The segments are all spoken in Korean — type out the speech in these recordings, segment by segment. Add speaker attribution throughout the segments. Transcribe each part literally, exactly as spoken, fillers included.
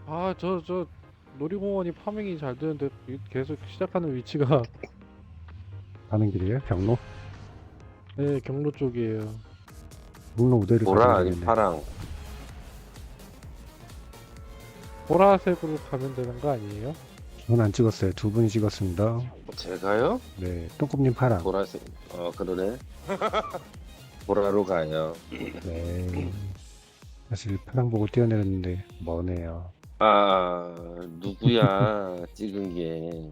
Speaker 1: 아, 저, 저, 놀이공원이 파밍이 잘 되는데 이- 계속 시작하는 위치가
Speaker 2: 가는 길이에요? 경로?
Speaker 1: 네, 경로 쪽이에요.
Speaker 2: 경로 우대를 가시면
Speaker 3: 보라 아니
Speaker 2: 되겠네.
Speaker 3: 파랑.
Speaker 1: 보라색으로 가면 되는 거 아니에요?
Speaker 2: 저는 안 찍었어요. 두 분이 찍었습니다.
Speaker 3: 제가요?
Speaker 2: 네, 똥꿈님 파랑.
Speaker 3: 보라색. 어 그러네. 보라로 가요.
Speaker 2: 네. 사실 파랑 보고 뛰어내렸는데 머네요.
Speaker 3: 아 누구야 찍은 게.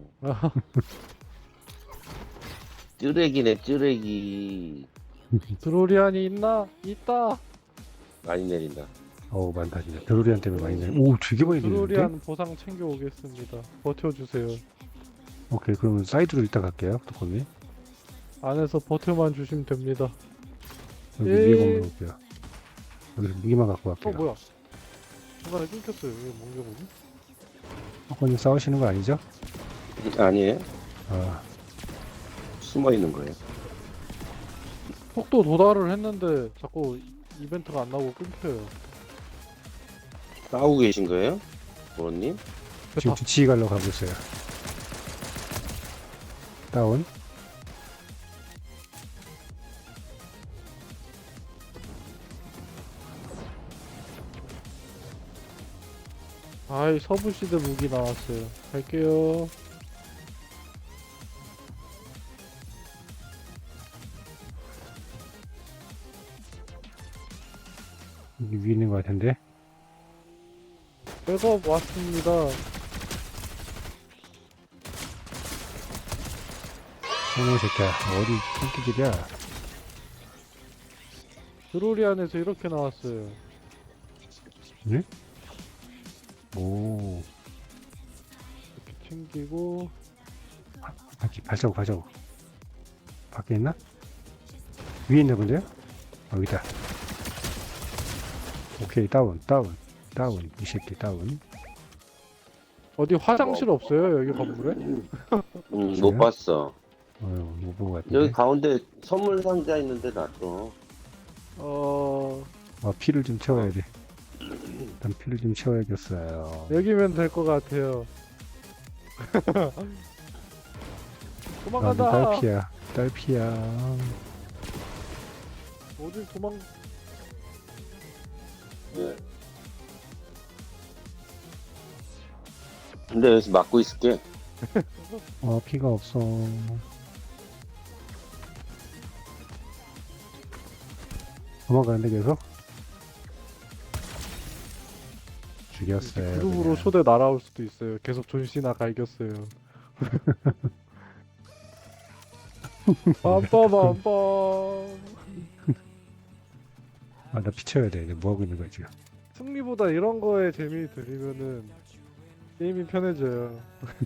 Speaker 3: 쯔레기네 쯔레기.
Speaker 1: 드로리안이 있나? 있다.
Speaker 3: 많이 내린다.
Speaker 2: 어우, 많다 진짜. 드로리안 때문에 많이 내려. 오, 되게 많이 내리는데?
Speaker 1: 드로리안 보상 챙겨 오겠습니다. 버텨주세요.
Speaker 2: 오케이, 그러면 사이드로 이따 갈게요. 똥꿈님.
Speaker 1: 안에서 버텨만 주시면 됩니다.
Speaker 2: 여기
Speaker 1: 에이.
Speaker 2: 위에 건물 올게요. 여기서 무기만 갖고
Speaker 1: 어,
Speaker 2: 갈게요.
Speaker 1: 뭐야? 중간에 끊겼어요. 이거 뭔가 보니?
Speaker 2: 똥꿈님 싸우시는 거 아니죠?
Speaker 3: 아니에요?
Speaker 2: 아,
Speaker 3: 숨어 있는 거예요.
Speaker 1: 속도 도달을 했는데 자꾸 이벤트가 안 나오고 끊겨요.
Speaker 3: 싸우고 계신 거예요? 보라님?
Speaker 2: 지금
Speaker 1: 됐다.
Speaker 2: 뒤치기 가려고 가고 있어요. 다운.
Speaker 1: 아이, 서부시대 무기 나왔어요. 갈게요.
Speaker 2: 여기 위에 있는 것 같은데?
Speaker 1: 백업 왔습니다.
Speaker 2: 어머, 새끼야. 어디 똥기질이야?
Speaker 1: 드로리안에서 이렇게 나왔어요.
Speaker 2: 오,
Speaker 1: 이렇게 챙기고
Speaker 2: 바퀴 발자국, 발자국. 밖에 있나? 위에 있나 본데요? 어, 여기다. 오케이, 다운, 다운, 다운. 이 새끼 다운.
Speaker 1: 어디 화장실 없어요? 여기 건물에?
Speaker 3: 음,
Speaker 2: 그래요?
Speaker 3: 못 봤어.
Speaker 2: 어, 못 본 것 같은데.
Speaker 3: 여기 가운데 선물 상자 있는데 놨어.
Speaker 1: 어...
Speaker 2: 어, 피를 좀 채워야 돼. 일단 피를 좀 채워야겠어요.
Speaker 1: 여기면 될 것 같아요.
Speaker 2: 아,
Speaker 1: 도망간다.
Speaker 2: 딸피야, 딸피야.
Speaker 1: 어딜 도망?
Speaker 3: 네. 근데 여기서 막고 있을게.
Speaker 2: 어, 피가 없어. 도망가는데 계속? 죽였어요.
Speaker 1: 그룹으로
Speaker 2: 그냥.
Speaker 1: 초대 날아올 수도 있어요. 계속 존시나 갈겼어요. 빰빠밤빰.
Speaker 2: 아, 나 피 채워야 돼. 이제 뭐 하고 있는 거야, 지금?
Speaker 1: 승리보다 이런 거에 재미 들리면은 게임이 편해져요.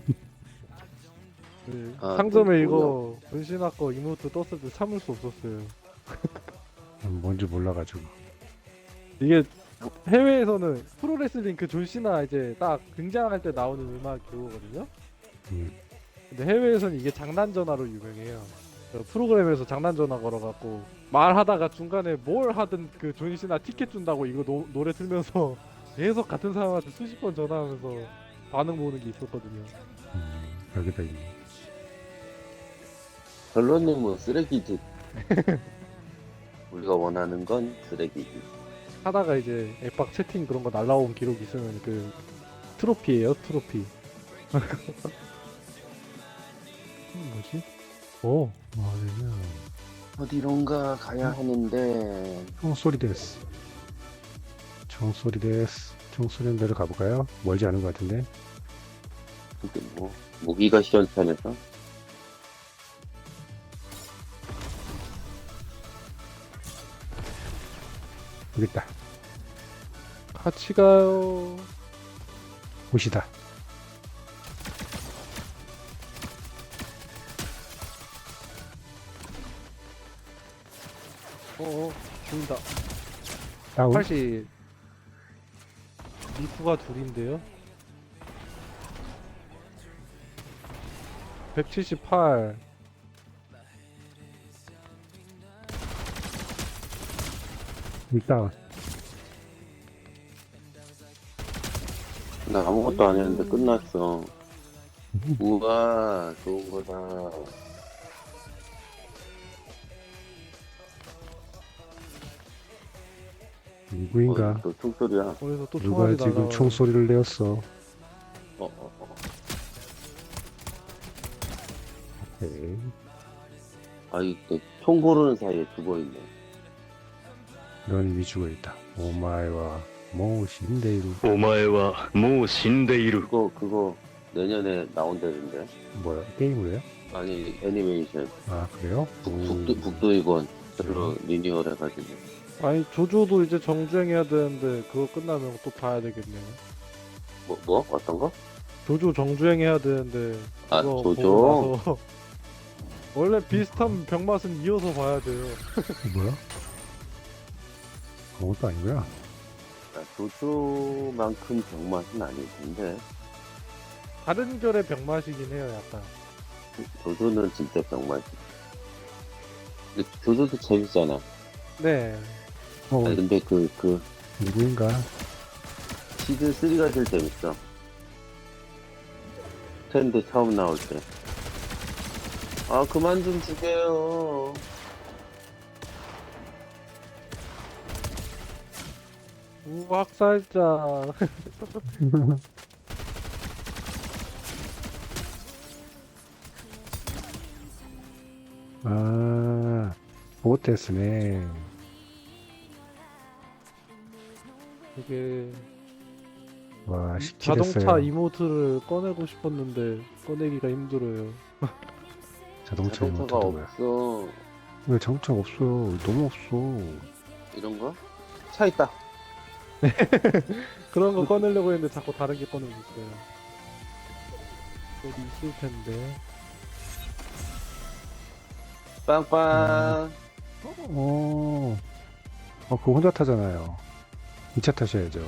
Speaker 1: 네,
Speaker 3: 아,
Speaker 1: 상점에
Speaker 3: 또
Speaker 1: 이거 존시나 거 이모트 떴을 때 참을 수 없었어요.
Speaker 2: 난 뭔지 몰라가지고.
Speaker 1: 이게 해외에서는 프로레슬링 그 존시나 이제 딱 등장할 때 나오는 음악 그거거든요.
Speaker 2: 음.
Speaker 1: 근데 해외에서는 이게 장난 전화로 유명해요. 그 프로그램에서 장난 전화 걸어갖고 말하다가 중간에 뭘 하든 그 존시나 티켓 준다고 이거 노, 노래 틀면서 계속 같은 사람한테 수십 번 전화하면서 반응 보는 게 있었거든요.
Speaker 2: 음, 여기다 있네.
Speaker 3: 결론은 쓰레기지. 우리가 원하는 건 쓰레기지.
Speaker 1: 하다가 이제 앱박 채팅 그런 거 날라온 기록 있으면 그 트로피예요, 트로피. 음, 뭐지? 오,
Speaker 2: 뭐냐면,
Speaker 3: 어디론가 가야 하는데.
Speaker 2: 총소리 데스. 총소리 데스. 총소리 대로 가볼까요? 멀지 않은 것 같은데.
Speaker 3: 근데 뭐 무기가 시원찮아서.
Speaker 2: 여기 있다.
Speaker 1: 같이 가요.
Speaker 2: 옷이다.
Speaker 1: 어어, 죽는다.
Speaker 2: 다운.
Speaker 1: 팔십. 리프가 둘인데요. 백칠십팔.
Speaker 2: 여기 다운.
Speaker 3: 나 아무것도 안 했는데 끝났어. 우와, 좋은 거다.
Speaker 2: 누구인가?
Speaker 3: 어, 또 총소리야. 어,
Speaker 1: 어디서 또
Speaker 2: 누가
Speaker 1: 총알이
Speaker 2: 지금
Speaker 1: 날라와.
Speaker 2: 총소리를 내었어?
Speaker 3: 어, 어.
Speaker 2: 오케이.
Speaker 3: 아이, 총 고르는 사이에 죽어있네.
Speaker 2: 넌 이미 죽어있다. 오마이와 모신데이루.
Speaker 4: お前はもう死んでいる。
Speaker 3: 그거, 그거 내년에 나온다는데.
Speaker 2: 뭐야? 게임을 해요?
Speaker 3: 아니, 애니메이션.
Speaker 2: 아 그래요?
Speaker 3: 북,
Speaker 2: 오,
Speaker 3: 북도, 북도이건. 별로 리니얼 해가지고.
Speaker 1: 아니 조조도 이제 정주행해야 되는데 그거 끝나면 또 봐야 되겠네요.
Speaker 3: 뭐, 뭐? 어떤 거?
Speaker 1: 조조 정주행해야 되는데
Speaker 3: 아,
Speaker 1: 그거
Speaker 3: 조조?
Speaker 1: 보고 나서 원래 비슷한 병맛은 이어서 봐야 돼요.
Speaker 2: 뭐야? 아무것도 아니고요.
Speaker 3: 아, 조조만큼 병맛은 아닐 텐데.
Speaker 1: 다른 결의 병맛이긴 해요, 약간.
Speaker 3: 조조는 진짜 병맛이. 근데 조조도 재밌잖아.
Speaker 1: 네.
Speaker 2: 어,
Speaker 3: 아니, 근데 그, 그,
Speaker 2: 누구인가?
Speaker 3: 시즌 쓰리가 제일 재밌어. 텐드 처음 나올 때. 아, 그만 좀 죽여요.
Speaker 1: 우학살자.
Speaker 2: 아, 보테스네.
Speaker 1: 이게
Speaker 2: 와, 십칠
Speaker 1: 자동차
Speaker 2: 했어요.
Speaker 1: 이모트를 꺼내고 싶었는데 꺼내기가 힘들어요.
Speaker 2: 자동차 이모트
Speaker 3: 자동차가
Speaker 2: 뭐야?
Speaker 3: 없어.
Speaker 2: 왜 자동차가 없어요? 너무 없어.
Speaker 3: 이런 거? 차 있다.
Speaker 1: 그런 거 꺼내려고 했는데 자꾸 다른 게 꺼내고 있어요. 어디 있을 텐데.
Speaker 3: 빵빵.
Speaker 2: 어, 어, 그거 혼자 타잖아요. 이 차 타셔야죠.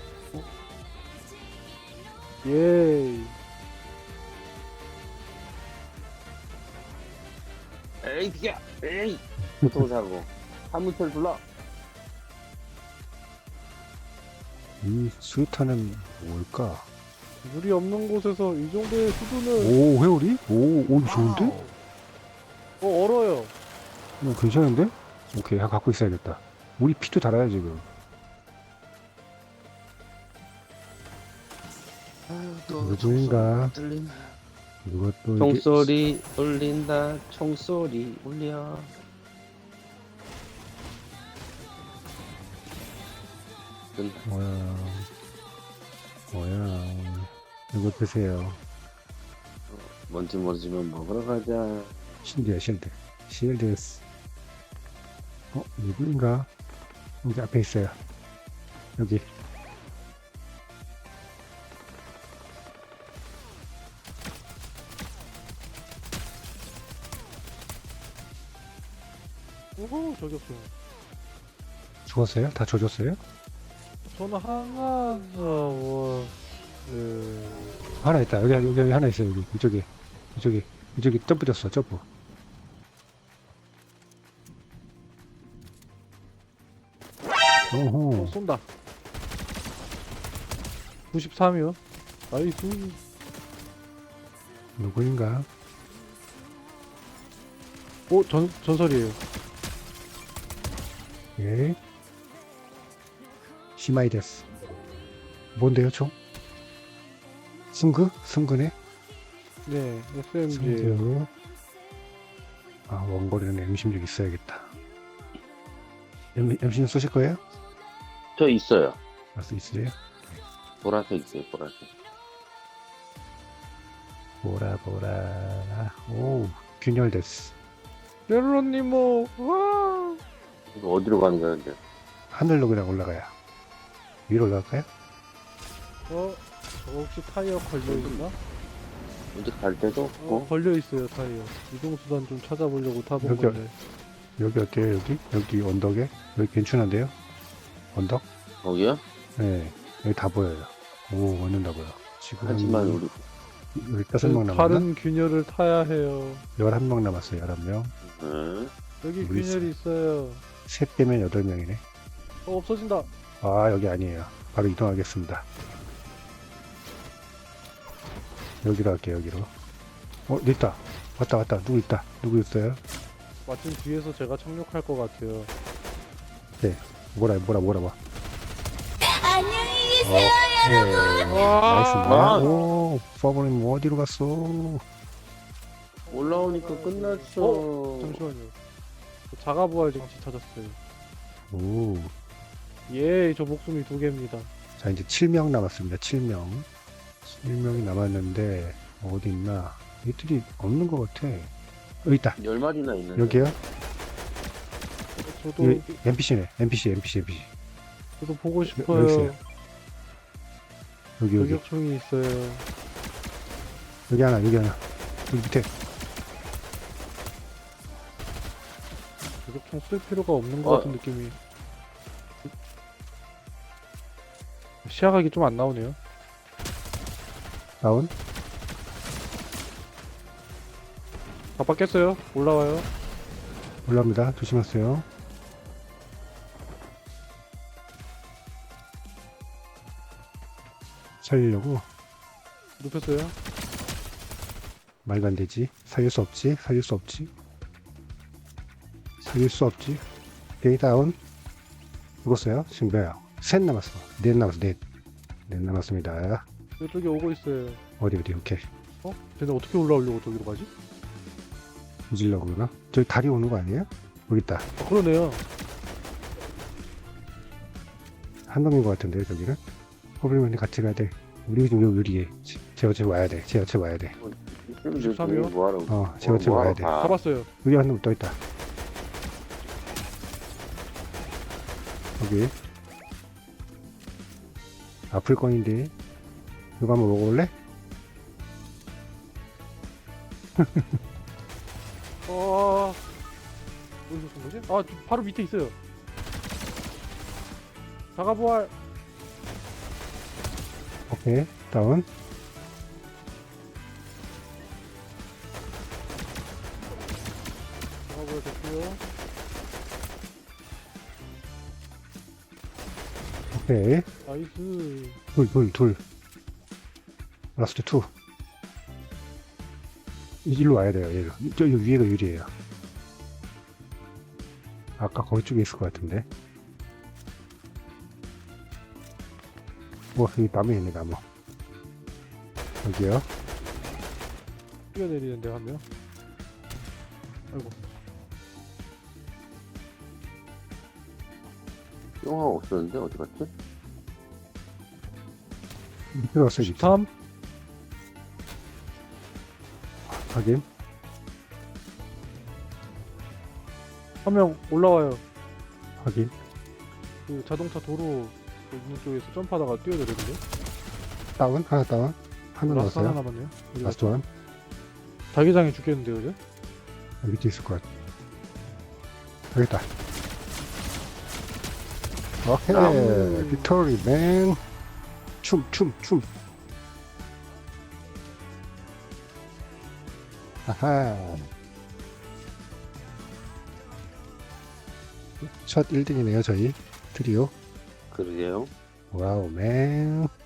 Speaker 1: 예이.
Speaker 3: 에이, 비켜! 에이! 교통사고. 화물차를 불러.
Speaker 2: 이 수류탄은 뭘까?
Speaker 1: 물이 없는 곳에서 이 정도의 수준은
Speaker 2: 오, 회오리? 오, 오, 좋은데?
Speaker 1: 어 얼어요.
Speaker 2: 어, 괜찮은데? 오케이, 하- 갖고 있어야겠다. 우리 피도 달아요, 지금. 누구인가?
Speaker 3: 들린다.
Speaker 2: 이것도 이게
Speaker 3: 총소리 울린다. 총소리 울려. 된다.
Speaker 2: 뭐야? 뭐야? 이거 드세요.
Speaker 3: 뭔지 모르지만 먹으러 가자.
Speaker 2: 실드야, 실드. 실드스. 어, 누구인가? 여기 앞에 있어요. 여기.
Speaker 1: 오호 저격수.
Speaker 2: 죽었어요? 다 조졌어요?
Speaker 1: 저는 하나 어뭐 그...
Speaker 2: 하나 있다. 여기, 여기, 여기 하나 있어요. 여기. 이쪽에. 이쪽에. 이쪽에 점프 졌어, 점프.
Speaker 1: 어,
Speaker 2: 오호.
Speaker 1: 쏜다. 구십삼이요. 나이스.
Speaker 2: 누구인가?
Speaker 1: 오 전 전설이에요.
Speaker 2: 예. 시마이데스. 뭔데요, 총? 승그? 승그네?
Speaker 1: 네 에스엠지예요.
Speaker 2: 승그. 아, 원거리는 엠 십육 있어야겠다. 엠, 엠십육 쏘실 거예요?
Speaker 3: 저 있어요.
Speaker 2: 아, 수 있으세요?
Speaker 3: 보라색 있어요, 보라색.
Speaker 2: 보라, 보라. 오, 균열데스.
Speaker 1: 멜로니모 와.
Speaker 3: 이거 어디로 가는 거야, 근데?
Speaker 2: 하늘로 그냥 올라가야. 위로 올라갈까요?
Speaker 1: 어? 저 혹시 타이어 걸려있나?
Speaker 3: 어디 갈 데도
Speaker 1: 어,
Speaker 3: 없고.
Speaker 1: 걸려있어요 타이어. 이동수단 좀 찾아보려고 타본
Speaker 2: 여기,
Speaker 1: 건데.
Speaker 2: 여기 어때요, 여기? 여기 언덕에? 여기 괜찮은데요? 언덕?
Speaker 3: 거기요?
Speaker 2: 네, 여기 다 보여요. 오, 완전 다 보여. 지금
Speaker 3: 하지만 우리
Speaker 2: 여기 다섯 명 남았나?
Speaker 1: 다른 균열을 타야 해요.
Speaker 2: 열한 명 남았어요, 열한 명.
Speaker 3: 응?
Speaker 1: 여기
Speaker 2: 우리
Speaker 1: 균열이 있어요.
Speaker 2: 셋 빼면 여덟 명이네.
Speaker 1: 어 없어진다.
Speaker 2: 아, 여기 아니에요. 바로 이동하겠습니다. 여기로 할게요, 여기로. 어, 여기 있다. 왔다, 왔다. 누구 있다. 누구 있어요?
Speaker 1: 마침 뒤에서 제가 착륙할 것 같아요.
Speaker 2: 뭐라, 뭐라, 뭐라, 봐.
Speaker 5: 안녕히 계세요.
Speaker 2: 네.
Speaker 1: 와,
Speaker 2: 나이스. 오, 퍼블님 어디로 갔어?
Speaker 3: 올라오니까 끝났어.
Speaker 1: 어? 잠시만요. 저 자가부활 장치 찾았어요.
Speaker 2: 오.
Speaker 1: 예, 저 목숨이 두 개입니다.
Speaker 2: 자, 이제 칠 명 남았습니다. 칠 명. 칠 명이 남았는데, 어디 있나? 얘들이 없는 것 같아. 여기 있다.
Speaker 3: 열 마리나 있는데.
Speaker 2: 여기요?
Speaker 1: 저도
Speaker 2: 여기 엔피씨네. 엔피씨, 엔피씨, 엔피씨.
Speaker 1: 저도 보고
Speaker 2: 여기
Speaker 1: 싶어요.
Speaker 2: 있어요. 여기, 여기.
Speaker 1: 저격총이 있어요.
Speaker 2: 여기 하나, 여기 하나. 여기 밑에.
Speaker 1: 저격총 쓸 필요가 없는 것
Speaker 3: 어.
Speaker 1: 같은 느낌이. 시야각이 좀 안 나오네요.
Speaker 2: 다운.
Speaker 1: 아빠 깼어요. 올라와요.
Speaker 2: 올라옵니다. 조심하세요. 살리려고.
Speaker 1: 눕혔어요.
Speaker 2: 말도 안 되지. 살릴 수 없지. 살릴 수 없지. 살릴 수 없지. 오케이, 다운. 죽었어요. 지금 몇야? 셋 남았어. 넷 남았어. 넷. 넷 남았습니다.
Speaker 1: 이쪽에 오고 있어요.
Speaker 2: 어디, 어디, 오케이.
Speaker 1: 어? 쟤네 어떻게 올라오려고 저기로 가지?
Speaker 2: 뒤질려고 그러나? 저기 다리 오는 거 아니에요? 여기 있다.
Speaker 1: 아, 그러네요.
Speaker 2: 한 놈인 것 같은데, 저기는? 호블리맨이 같이 가야 돼. 우리 지금 여기 유리에. 제어, 제 와야 돼. 제어, 제 와야 돼.
Speaker 1: 십삼 이요?
Speaker 3: 뭐하러?
Speaker 2: 어, 제어, 제 와야 돼.
Speaker 1: 잡았어요.
Speaker 2: 여기 한 놈 또 있다. 여기. 아플 건인데. 이거 한번 먹어볼래?
Speaker 1: 어... 어디서 쏜 거지? 아, 저 바로 밑에 있어요. 자가부활.
Speaker 2: 오케이. 다운.
Speaker 1: 자가부활 됐고요.
Speaker 2: 오케이.
Speaker 1: 나이스.
Speaker 2: 둘, 둘, 둘. 라스트 투. 이리로 와야 돼요, 얘로. 저, 여 위에가 유리예요. 아까 거기 쪽에 있을 것 같은데. 뭐, 여기 나무 있네, 나무. 여기요.
Speaker 1: 뛰어내리는데 한 명. 아이고.
Speaker 3: 영화 없었는데 어디 갔지?
Speaker 2: 밑으로 왔어요, 밑에.
Speaker 1: 삼.
Speaker 2: 확인.
Speaker 1: 한 명 올라와요.
Speaker 2: 확인.
Speaker 1: 그 자동차 도로 있는 쪽에서 점프하다가 뛰어내리는데.
Speaker 2: 다운. 하나 다운. 하나
Speaker 1: 라스트 하나
Speaker 2: 넣었어요.
Speaker 1: 남았네요. 어디
Speaker 2: 라스트
Speaker 1: 갔죠?
Speaker 2: 원.
Speaker 1: 자기장이 죽겠는데요, 이제?
Speaker 2: 밑에 있을 것 같아. 여기 있다. 오케이.
Speaker 3: 나무.
Speaker 2: 빅토리, 맨. 춤, 춤, 춤. 아하. 첫 일 등이네요, 저희. 트리오.
Speaker 3: 그러게요.
Speaker 2: 와우, 맨.